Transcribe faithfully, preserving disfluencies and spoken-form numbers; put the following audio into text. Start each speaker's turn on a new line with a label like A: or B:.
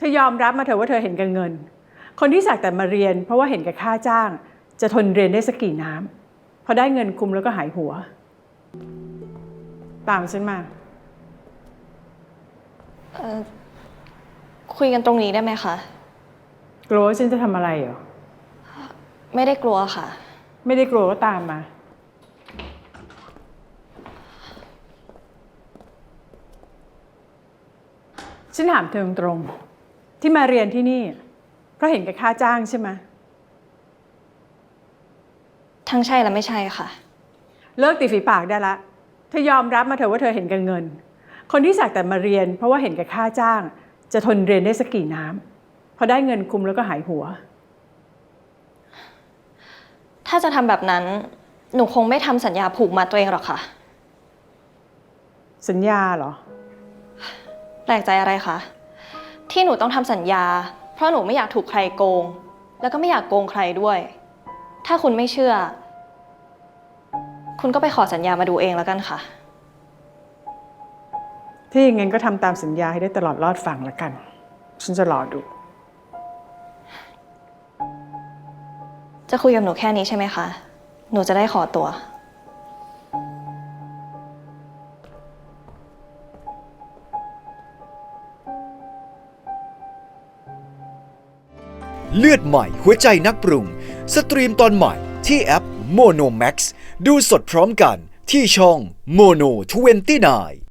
A: ธอยอมรับมาเถอะว่าเธอเห็นแก่เงินคนที่สักแต่มาเรียนเพราะว่าเห็นแก่ค่าจ้างจะทนเรียนได้สักกี่น้ำพอได้เงินคุมแล้วก็หายหัวตามฉันมา
B: เอ่อคุยกันตรงนี้ได้ไหมคะ
A: กลัวว่าฉันจะทำอะไรเหรอ
B: ไม่ได้กลัวค่ะ
A: ไม่ได้กลัวก็ตามมาฉันถามเธอตรงๆที่มาเรียนที่นี่เพราะเห็นแก่ค่าจ้างใช่ไหม
B: ทั้งใช่และไม่ใช่ค่ะ
A: เลิกตีฝีปากได้ละเธอยอมรับมาเถอะว่าเธอเห็นแก่เงินคนที่สักแต่มาเรียนเพราะว่าเห็นแก่ค่าจ้างจะทนเรียนได้สักกี่น้ำพอได้เงินคุมแล้วก็หายหัว
B: ถ้าจะทำแบบนั้นหนูคงไม่ทำสัญญาผูกมัดตัวเองหรอกค่ะ
A: สัญญาเหรอ
B: แปลกใจอะไรคะที่หนูต้องทำสัญญาเพราะหนูไม่อยากถูกใครโกงแล้วก็ไม่อยากโกงใครด้วยถ้าคุณไม่เชื่อคุณก็ไปขอสัญญามาดูเองแล้วกันค่ะ
A: ถ้าอย่างงั้นก็ทำตามสัญญาให้ได้ตลอดรอดฝั่งละกันฉันจะรอดู
B: จะคุยกับหนูแค่นี้ใช่ไหมคะหนูจะได้ขอตัว
C: เลือดใหม่หัวใจนักปรุงสตรีมตอนใหม่ที่แอป โมโน แม็กซ์ ดูสดพร้อมกันที่ช่อง โมโน ยี่สิบเก้า